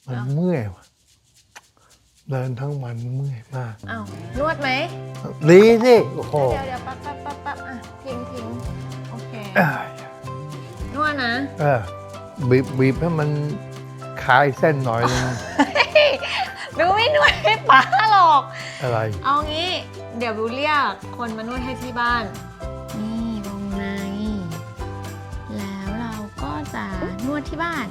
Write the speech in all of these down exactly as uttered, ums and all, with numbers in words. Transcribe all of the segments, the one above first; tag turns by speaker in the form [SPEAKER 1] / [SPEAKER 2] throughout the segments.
[SPEAKER 1] มันเมื่อยว่ะเดินทั้งวันเมื่อยมาก
[SPEAKER 2] อ้าวนวดไหม
[SPEAKER 1] ดีสิโอ้โห
[SPEAKER 2] เดี๋ยวเดี๋ยวปั๊บปั๊บปั๊บปั๊บอ่ะพิงพิงโอเค
[SPEAKER 1] เอ้ย
[SPEAKER 2] นวดนะ
[SPEAKER 1] เออบีบบีบให้มันคลายเส้นหน่อยนึง
[SPEAKER 2] ดูไม่นวดให้ป้าหรอก
[SPEAKER 1] อะไร
[SPEAKER 2] เอางี้ เดี๋ยวบิวเรียกคนมานวดให้ที่บ้าน นี่วงใน แล้วเราก็จะนวดที่บ้าน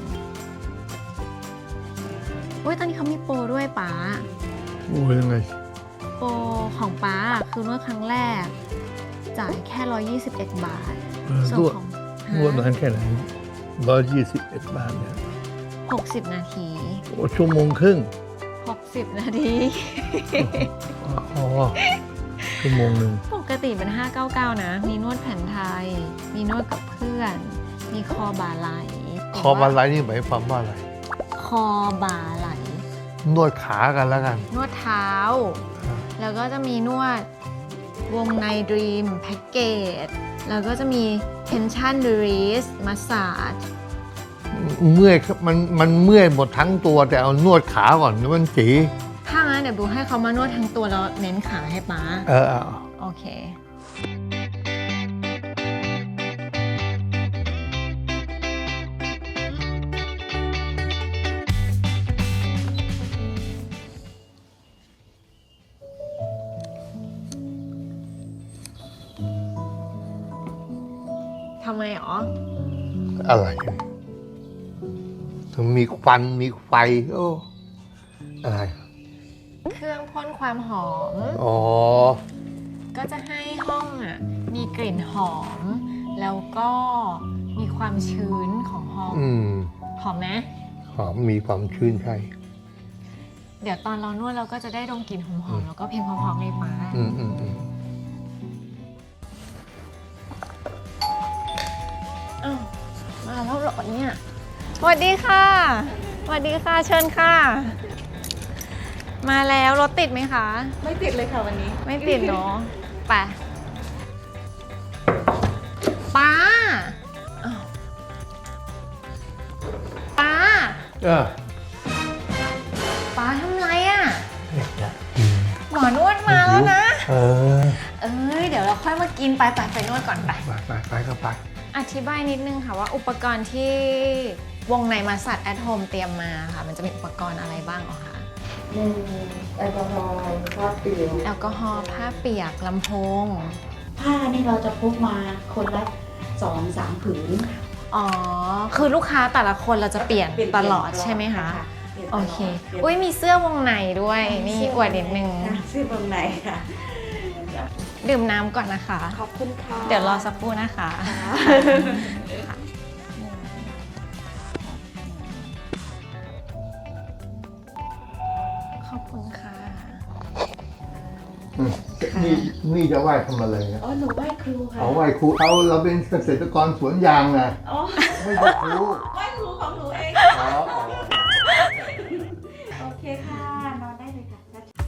[SPEAKER 2] อุ้ยตอนนี้เขามีโปรด้วยป้า
[SPEAKER 1] โอ้ยยังไง
[SPEAKER 2] โปรของป้าคือนวดครั้งแรก จ่ายแค่ร้อยยี่สิบเอ็ดบาท
[SPEAKER 1] เออน
[SPEAKER 2] ส่ว
[SPEAKER 1] วน ด
[SPEAKER 2] ของ
[SPEAKER 1] นวดนานแค่ไหนร้อยยี่สิบเอ็ดบาทเนี่ย
[SPEAKER 2] หกสิบนาที
[SPEAKER 1] โอ้ชั่วโมงครึ่ง
[SPEAKER 2] หกสิบนาที
[SPEAKER 1] อ๋อชั่วโมงหนึ่ง
[SPEAKER 2] ปกติเป็นห้าร้อยเก้าสิบเก้านะ มีนวดแผนไทย มีนวดกับเพื่อน มีคอบ่าไหล
[SPEAKER 1] คอบาไลนี่หมายความว่าอะไร
[SPEAKER 2] คอบ่าไหล
[SPEAKER 1] นวดขากันแล้วกัน
[SPEAKER 2] นวดเท้า แล้วก็จะมีนวดวงในดรีมแพ็กเกจ แล้วก็จะมี tension release massage
[SPEAKER 1] เมื่อยมันมันเมื่อยหมดทั้งตัวแต่เอานวดขาก่อนเดี๋ยวมันจี
[SPEAKER 2] ถ้างั้นเดี๋ยวบูให้เขามานวดทั้งตัวแล้วเน้นขาให้ป๊า
[SPEAKER 1] เออเอา
[SPEAKER 2] โอเค ทำไมหรอ
[SPEAKER 1] อะไรถึงมีควันมีไฟโอ้อะไร
[SPEAKER 2] เครื่องพ่นความหอม
[SPEAKER 1] อ๋อ
[SPEAKER 2] ก็จะให้ห้องอ่ะมีกลิ่นหอม แล้วก็มีความชื้นของห้อง
[SPEAKER 1] อืม
[SPEAKER 2] หอมไหม
[SPEAKER 1] หอมมีความชื้นใช่
[SPEAKER 2] เดี๋ยวตอนเรานวดเราก็จะได้ดมกลิ่นหอมๆแล้วก็เพลงเพราะๆในป้า
[SPEAKER 1] อืมอืมอืม
[SPEAKER 2] อ้าวมาแล้วเหรอเนี่ยสวัสดีค่ะสวัสดีค่ะเชิญค่ะ มาแล้วรถติดไหมคะ
[SPEAKER 3] ไม่ติดเลยค่ะวันนี้
[SPEAKER 2] ไม่ติดเนาะไปป้าอ้าวป้า
[SPEAKER 1] เออ
[SPEAKER 2] ป้าทำไรอ่ะ
[SPEAKER 1] เนี่ย
[SPEAKER 2] หมอนวดมาแล้วนะ
[SPEAKER 1] เออ
[SPEAKER 2] เอ้ยเดี๋ยวเราค่อยมากินไปไปไปนวดก่อนไป
[SPEAKER 1] ไปไปไปก็ไป
[SPEAKER 2] อธิบายนิดนึงค่ะว่าอุปกรณ์ที่วงในมาสัตแอทโฮมเตรียมมาค่ะ มันจะมีอุปกรณ์อะไรบ้างเหรอคะ
[SPEAKER 3] หนึ่งแอลกอฮอล์ผ้าเปียก
[SPEAKER 2] แอลกอฮอล์ผ้าเปียกลำโพง
[SPEAKER 3] ผ้านี่เราจะพกมาคนละสองสามผืน
[SPEAKER 2] อ๋อ คือลูกค้าแต่ละคนเราจะเปลี่ยนตลอดใช่ไหมคะ
[SPEAKER 3] ปลี่ยนต
[SPEAKER 2] โอ
[SPEAKER 3] ลด
[SPEAKER 2] เค
[SPEAKER 3] ปลี่ยน
[SPEAKER 2] อุ้ยมีเสื้อวงในด้วย นี่อวดนิดนึง
[SPEAKER 3] ค่ะเสื้อบางในค่ะ
[SPEAKER 2] ดื่มน้ำก่อนนะคะ
[SPEAKER 3] ขอบคุณค่ะ
[SPEAKER 2] เดี๋ยวรอสักครู่นะคะ ขอบคุณค่ะ
[SPEAKER 1] นี่นี่จะไหว้ทำอะไรนะ
[SPEAKER 3] อ๋อหนูไหว้ครูค่ะ
[SPEAKER 1] เอาไหว้ครูเอาเราเป็นเกษตรกรสวนยางนะ
[SPEAKER 3] อ๋อ
[SPEAKER 1] ไม่ใช่ครู
[SPEAKER 3] ไหว้ครูของหนูเอง
[SPEAKER 1] อ๋ออ๋อ
[SPEAKER 3] โอเคค่ะนอนได้เลยค่ะ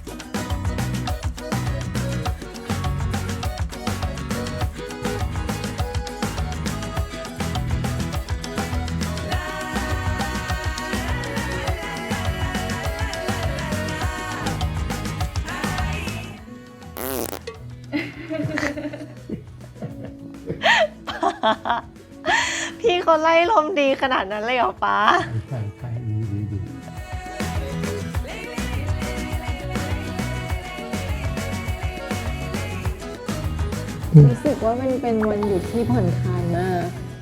[SPEAKER 2] พี่เขาไล่ลมดีขนาดนั้นเลยเหรอป้า
[SPEAKER 1] ใช่ใช่ดีดีดี
[SPEAKER 2] รู้สึกว่ามันเป็นวันหยุดที่ผ่อนคลายมาก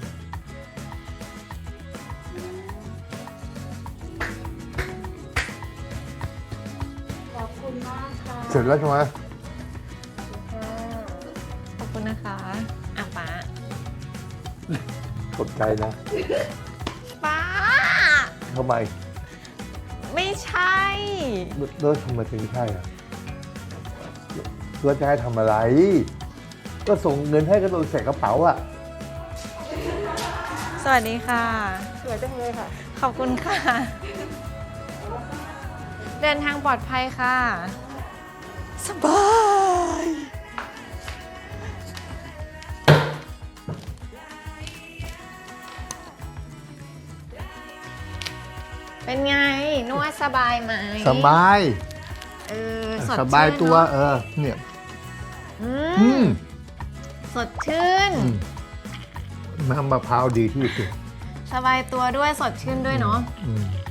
[SPEAKER 3] ขอบคุณมากค่ะ
[SPEAKER 1] เสร็จแล้วใช่ไหม
[SPEAKER 2] ขอบคุณนะคะอ่ะป้า
[SPEAKER 1] ขอบใจนะ
[SPEAKER 2] ป้า
[SPEAKER 1] ทำไม
[SPEAKER 2] ไม่ใช่
[SPEAKER 1] แล้วทำไมถึงใช่อ่ะแล้วจะให้ทำอะไร ก็ส่งเงินให้ก็โดนใส่กระเป๋าอ่ะ
[SPEAKER 2] สวัสดีค่ะ
[SPEAKER 3] สวยจังเลยค่ะ
[SPEAKER 2] ขอบคุณค่ะ เดินทางปลอดภัยค่ะ สบายเป็นไงนวดสบายไหม
[SPEAKER 1] สบาย
[SPEAKER 2] เออสด
[SPEAKER 1] สบาย
[SPEAKER 2] ชื่น
[SPEAKER 1] ตัว
[SPEAKER 2] เนอะ
[SPEAKER 1] เออเนี่ย
[SPEAKER 2] อื
[SPEAKER 1] อื
[SPEAKER 2] ม
[SPEAKER 1] ม
[SPEAKER 2] สดชื่น
[SPEAKER 1] อืมน้ำมะพร้าวดีที่สุด
[SPEAKER 2] สบายตัวด้วยสดชื่นด้วยเนาะ
[SPEAKER 1] อืม